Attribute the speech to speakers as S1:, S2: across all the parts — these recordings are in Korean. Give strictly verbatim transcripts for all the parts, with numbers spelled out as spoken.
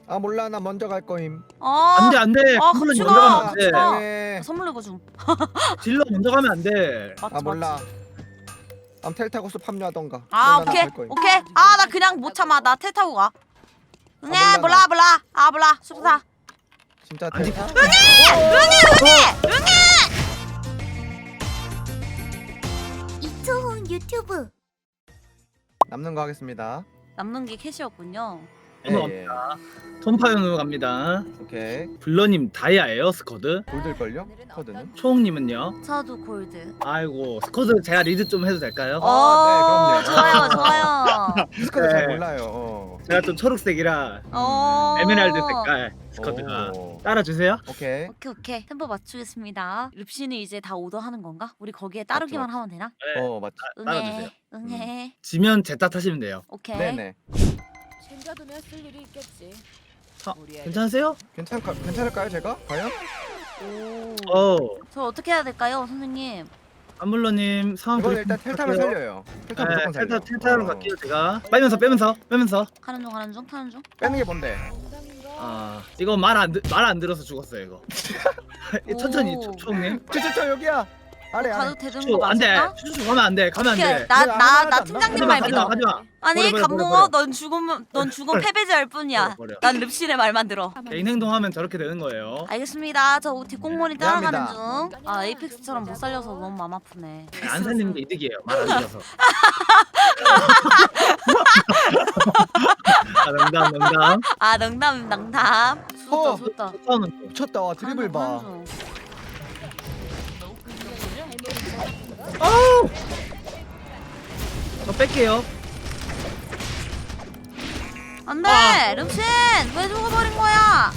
S1: 아 몰라 나 먼저 갈 거임.
S2: 아,
S3: 안돼 안돼.
S2: 아,
S3: 컴플러
S2: 같이
S3: 먼저
S2: 가,
S3: 가면
S2: 같이
S3: 안돼.
S2: 가.
S1: 네.
S2: 선물 이거 좀.
S3: 딜러 먼저 가면 안돼.
S2: 맞지,
S1: 아 몰라.
S2: 맞지.
S1: 암 텔 타고 숲 합류하던가.
S2: 아,
S1: 나는
S2: 오케이,
S1: 갈 거임.
S2: 오케이. 아, 나 그냥 못 참아. 나 텔 타고 가. 응애,
S1: 몰라,
S2: 몰라,
S1: 나.
S2: 몰라. 아, 몰라. 숲사.
S1: 진짜
S3: 아니,
S1: 텔.
S4: 이초훈 유튜브.
S1: 남는 거 하겠습니다.
S2: 남는 게 캐시였군요.
S1: 예, 예.
S3: 톰파연으로 갑니다.
S1: 오케이.
S3: 블러님 다이아예요 스쿼드?
S1: 골들 걸요? 코드는?
S3: 초홍님은요?
S2: 저도 골드.
S3: 아이고 스쿼드 제가 리드 좀 해도 될까요?
S2: 어,
S1: 아, 네, 그럼요.
S2: 좋아요, 좋아요.
S1: 스쿼드 잘
S3: 네.
S1: 몰라요. 어.
S3: 제가 좀 초록색이라
S2: 어.
S3: 에메랄드 색깔 스쿼드가
S1: 오.
S3: 따라주세요.
S1: 오케이.
S2: 오케이, 오케이. 템포 맞추겠습니다. 릅신이 이제 다 오더 하는 건가? 우리 거기에 따르기만
S1: 맞죠,
S2: 하면 되나?
S3: 네.
S1: 어 맞지.
S3: 따- 따라주세요.
S2: 응애, 응애.
S3: 지면 제타 타시면 돼요.
S2: 오케이.
S1: 네네.
S5: 챙겨두면 쓸 일이 있겠지.
S3: 아,
S5: 우리 애들
S3: 괜찮으세요?
S1: 괜찮을까 괜찮을까요 제가? 과연?
S2: 오.
S3: 어
S2: 저 어떻게 해야 될까요, 선생님?
S3: 안물러님 상황
S1: 이건
S3: 브리핑
S1: 일단 텔타로
S3: 부탁해요.
S1: 살려요. 텔타
S3: 네,
S1: 무조건 살려.
S3: 텔타 텔타로
S1: 어.
S3: 갈게요 제가. 빼면서 빼면서 빼면서.
S2: 가는 중, 가는 중, 타는 중.
S1: 빼는 게 뭔데?
S5: 농담인가?
S3: 아 이거 말 안 말 안 들어서 죽었어요 이거. 천천히
S2: 오.
S3: 초- 초홍님.
S1: 저저저 여기야. 아래 아래.
S2: 가도 되는
S3: 초
S2: 거
S3: 안돼.
S2: 맞을까?
S3: 추추 가면 안돼. 가면
S2: 오케이.
S3: 안돼.
S2: 나,
S1: 그래,
S2: 나,
S1: 하지
S2: 나
S1: 마,
S2: 팀장님
S1: 하지
S2: 말
S1: 마,
S2: 믿어.
S3: 하지 마.
S2: 아니,
S3: 버려, 버려,
S2: 감몽어,
S3: 버려,
S2: 넌 죽으면, 넌 죽으면 패배자일 뿐이야.
S3: 버려, 버려.
S2: 난 릅신의 말만 들어.
S3: 개인 행동하면 저렇게 되는 거예요.
S2: 알겠습니다. 저 뒷공무원이 따라가는
S1: 미안합니다.
S2: 중. 아, 에이펙스처럼 못 살려서 너무 마음 아프네.
S3: 안 살리는 게 이득이에요. 말 안 들어서. 아 농담 농담.
S2: 아, 농담, 농담. 좋다,
S1: 어.
S2: 좋다.
S3: 처음은 또.
S1: 미쳤다. 와 드리블 봐.
S3: 아우. 저 뺄게요.
S2: 안돼,
S3: 아.
S2: 릅신 왜 죽어버린 거야?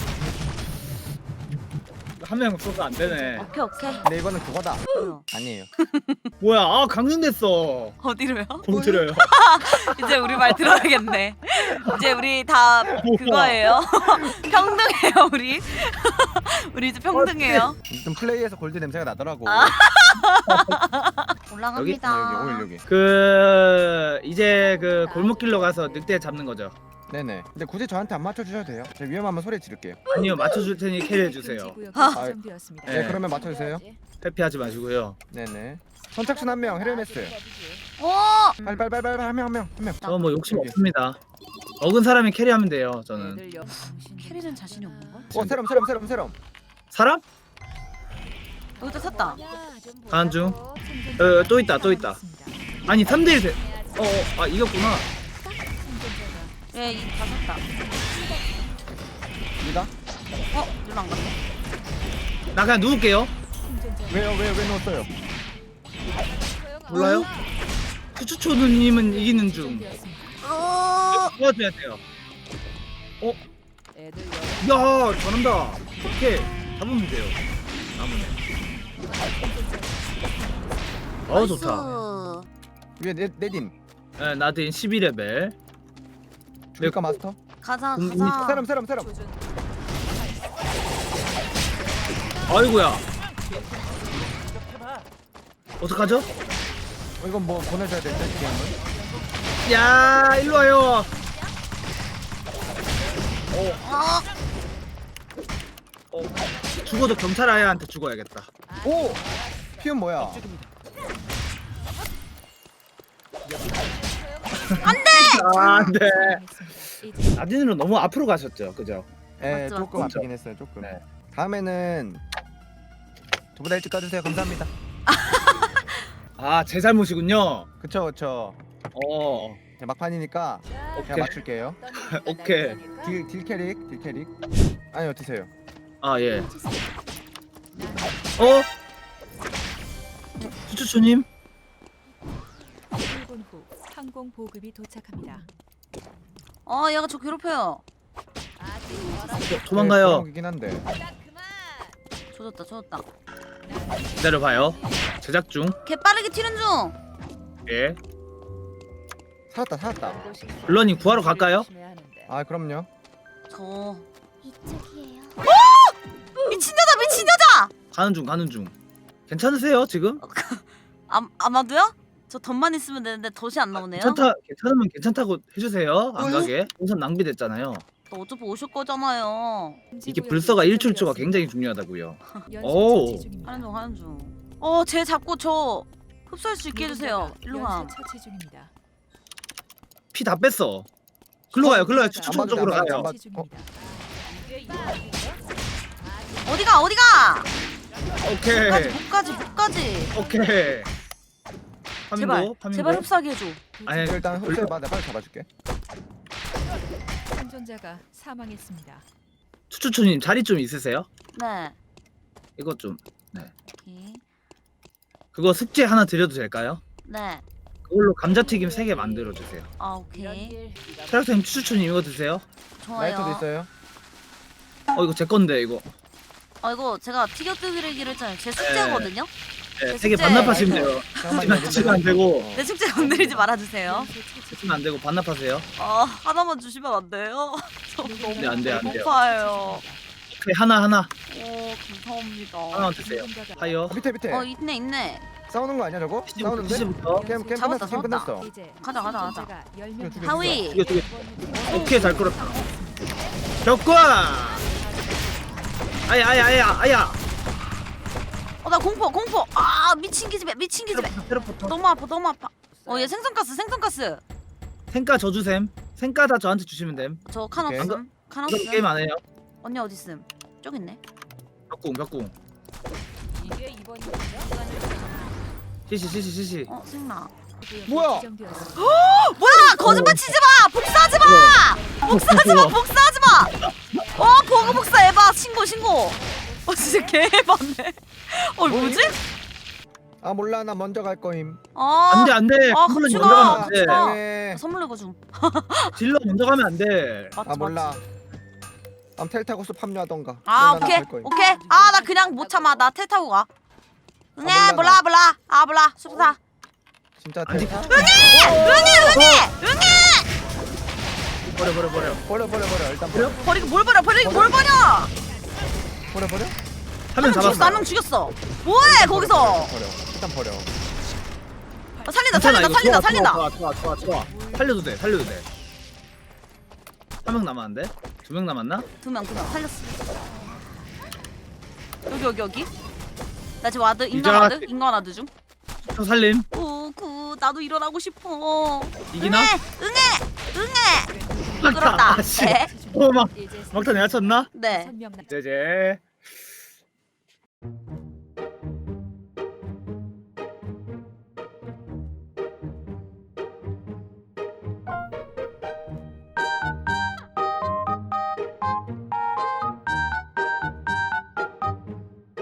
S3: 한 명 써서 안 되네.
S2: 오케이, 오케이.
S1: 근데 이거는 그거다.
S2: 뭐요?
S1: 아니에요.
S3: 뭐야? 아 강등됐어.
S2: 어디로요?
S3: 공들여요.
S2: 이제 우리 말 들어야겠네. 이제 우리 다 그거예요. 평등해요, 우리. 우리 이제 평등해요.
S1: 좀 플레이에서 골드 냄새가 나더라고.
S2: 아.
S1: 여기
S2: 올라갑니다.
S1: 여기 오일 여기.
S3: 그 이제 그 골목길로 가서 늑대 잡는 거죠.
S1: 네네. 근데 굳이 저한테 안 맞춰 주셔도 돼요. 제가 위험하면 소리 지를게요.
S3: 아니요 맞춰줄 테니 캐리해 주세요.
S5: 구역이
S2: 아.
S5: 지정되었습니다.
S1: 네,
S3: 네.
S1: 그러면 맞춰주세요.
S3: 회피하지 마시고요.
S1: 네네. 선착순 한 명, 헤르메스.
S2: 오!
S1: 빨리 빨리 빨리 빨리 한 명 한 명 한 명.
S3: 저 뭐 욕심
S1: 여기.
S3: 없습니다. 먹은 사람이 캐리하면 돼요. 저는
S5: 애들 영-
S2: 캐리는 자신이 없는 걸?
S1: 어 세럼 세럼 세럼 세럼.
S3: 사람?
S2: 여기다 샀다.
S5: 좀
S3: 가는 중.
S5: 보자고.
S3: 어, 또 있다 또 있다. 아니 삼 대 일 돼. 어, 어, 아 이겼구나.
S2: 예, 이다 샀다.
S1: 니가?
S2: 어, 일로 안 갔네.
S3: 나 그냥 누울게요.
S1: 왜요 왜요 왜 넣었어요?
S3: 몰라요? 추추초누님은 이기는 중.
S2: 어,
S3: 도와줘야 돼요.
S5: 애들 영-
S3: 야 잘한다. 오케이 잡으면 돼요. 나무네. 어 좋다.
S2: 나이스.
S1: 위에 네 네딘.
S3: 네, 나딘 십이 레벨.
S1: 줄까 마스터?
S2: 가자,
S3: 음,
S2: 가자.
S1: 세럼 세럼 세럼.
S5: 조준.
S3: 아이고야. 어떡하죠?
S1: 어, 이건 뭐 보내줘야 되는데 게임은.
S3: 야 일로 와요.
S2: 어,
S3: 어, 죽어도 경찰 아야한테 죽어야겠다.
S1: 오! 피움 뭐야?
S3: 아, 안돼.
S5: 이제
S3: 나딘으로 너무 앞으로 가셨죠, 그죠?
S1: 예,
S2: 맞죠,
S1: 조금
S3: 맞죠.
S1: 아프긴 했어요. 조금.
S3: 네.
S1: 다음에는 저보다 일찍 가주세요. 감사합니다.
S3: 아, 제 잘못이군요.
S1: 그쵸 그쵸.
S3: 어,
S1: 제 막판이니까 제가
S3: 오케이.
S1: 맞출게요.
S3: 오케이.
S1: 딜, 딜 캐릭 딜 캐릭. 아니요 드세요.
S3: 아 예. 어? 추추추님?
S5: 일 분 후 항공 보급이 도착합니다.
S2: 어, 얘가 저 괴롭혀요.
S3: 도, 도망가요.
S1: 이긴 한데.
S2: 조졌다, 조졌다.
S3: 기다려봐요. 제작 중.
S2: 개 빠르게 튀는 중.
S3: 예.
S1: 살았다 살았다.
S3: 블러님 구하러 갈까요?
S1: 아 그럼요.
S2: 저
S4: 이쪽이에요.
S2: 미친 여자, 미친 여자.
S3: 가는 중, 가는 중. 괜찮으세요 지금?
S2: 아, 아마도요? 저 덧만 있으면 되는데 덧이 안 나오네요.
S3: 괜찮다, 괜찮으면 괜찮다고 해주세요. 안
S2: 어?
S3: 가게. 우선 낭비됐잖아요.
S2: 또 어차피 오실 거잖아요.
S3: 이게 불서가 일 출조가 굉장히 중요하다고요. 오.
S2: 하는 중 하는 중. 어, 쟤 잡고 저 흡수할 수 있게 해주세요. 일로 가.
S5: 처치 중입니다.
S3: 피 다 뺐어. 글로 가요. 글로 가요. 추천
S1: 안
S3: 쪽으로
S1: 맞아, 안
S3: 가요.
S1: 맞아.
S5: 처치 중입니다.
S2: 어디가 어디가?
S3: 오케이.
S2: 목까지 목까지 목까지.
S3: 오케이.
S2: 제발
S3: 파밍고. 파밍고.
S2: 제발 흡수하게 해줘.
S3: 아니,
S1: 일단 흡수해봐. 내가 빨리 잡아줄게.
S5: 생존자가 사망했습니다.
S3: 추추추님 자리 좀 있으세요?
S2: 네.
S3: 이것 좀.
S2: 오케이.
S3: 그거 숙제 하나 드려도 될까요?
S2: 네.
S3: 그걸로 감자튀김 세 개 만들어 주세요.
S2: 아 오케이.
S3: 차력쌤 추추추님 이거 드세요?
S1: 라이터도
S2: 좋아요.
S1: 있어요.
S3: 어 이거 제 건데 이거.
S2: 아 이거 제가 튀겨 뜯기로 했잖아요. 제 숙제거든요.
S3: 네,
S2: 제
S3: 세 개
S2: 숙제.
S3: 반납하시면 돼요.
S1: 잠깐만요.
S3: 드시면 안 되고.
S2: 내 숙제 건드리지 말아주세요.
S3: 드시면 안 되고 반납하세요.
S2: 아 하나만 주시면 안 돼요? 저 너무
S3: 네, 안 돼요, 안 돼요.
S2: 배고파요.
S3: 오케이 하나 하나
S2: 오 감사합니다.
S3: 하나만 드세요. 하이요.
S1: 어, 밑에 밑에.
S2: 어 있네 있네.
S1: 싸우는 거 아니야 저거? 싸우는데?
S3: 시부터.
S1: 게임 게임
S2: 잡았다,
S1: 끝났어. 게임
S2: 잡았다.
S1: 끝났어.
S5: 이제
S2: 가자, 가자, 가자.
S5: 생존자가 열 명
S1: 죽여, 죽여,
S2: 하위.
S3: 이거 두 개. 오케이 잘 끌었다. 격과. 아야 아야 아야 아야.
S2: 어나 공포 공포. 아 미친 기집애 미친 기집애.
S3: 테러포터.
S2: 너무 아파 너무 아파. 어얘 생선가스 생선가스.
S3: 생가 저주셈. 생가 다 저한테 주시면 됨.
S2: 저 칸
S1: 오케이.
S2: 없음. 칸
S3: 그럼 게임
S2: 없음.
S3: 안 해요.
S2: 언니 어디 있음? 저기 있네.
S3: 벽궁 벽궁.
S5: 이게 이번
S3: 시시 시시 시시.
S2: 어 생나.
S1: 뭐야?
S2: 뭐야 거짓말 치지 마. 복사하지 마. 복사하지 마. 복사하지 마. 어 보고 복사 해봐. 신고 신고. 어 진짜 개해봤네. 어 뭐지?
S1: 아 몰라 나 먼저 갈 거임.
S2: 아
S3: 안돼 안돼.
S2: 아,
S3: 딜러
S2: 같이
S3: 먼저
S2: 가.
S3: 가면
S2: 같이
S3: 안돼.
S2: 가.
S1: 네.
S2: 선물 내고 좀.
S3: 딜러 먼저 가면 안돼.
S2: 맞지,
S1: 아 몰라.
S2: 맞지.
S1: 암 텔타고스 합류하던가.
S2: 아
S1: 몰라,
S2: 오케이
S1: 나갈 거임.
S2: 오케이. 아 나 그냥 못 참아. 나 텔 타고 가. 응애
S1: 아, 몰라,
S2: 몰라
S1: 나.
S2: 몰라. 아 몰라. 숲사.
S1: 진짜
S3: 아니,
S1: 텔타.
S3: 버려 버려 버려.
S1: 버려 버려 버려. 일단 버려.
S2: 버리고 뭘 버려 버리고 뭘 버려.
S1: 버려 버려.
S3: 한 명
S2: 죽였어 한
S3: 잡았어.
S2: 명 죽였어. 뭐해 거기서.
S1: 버려. 일단 버려.
S2: 어, 살린다
S3: 괜찮아,
S2: 살린다
S3: 이거
S2: 살린다
S3: 좋아,
S2: 살린다.
S3: 좋아 좋아 좋아 좋아. 살려도 돼 살려도 돼. 한 명 남았는데? 두 명 남았나?
S2: 두 명 두 명 살렸어. 여기 여기 여기. 나 지금 와드 인간
S3: 이자-
S2: 와드 인간 와드 중.
S3: 저 살림.
S2: 오구 나도 일어나고 싶어.
S3: 이기나?
S2: 응애 응애 응애. 끌었다.
S3: 아, 씨.
S2: 네.
S3: 어, 막
S5: 이제
S3: 막타 내가 쳤나?
S2: 네.
S5: 다섯 명 남-
S3: 제제.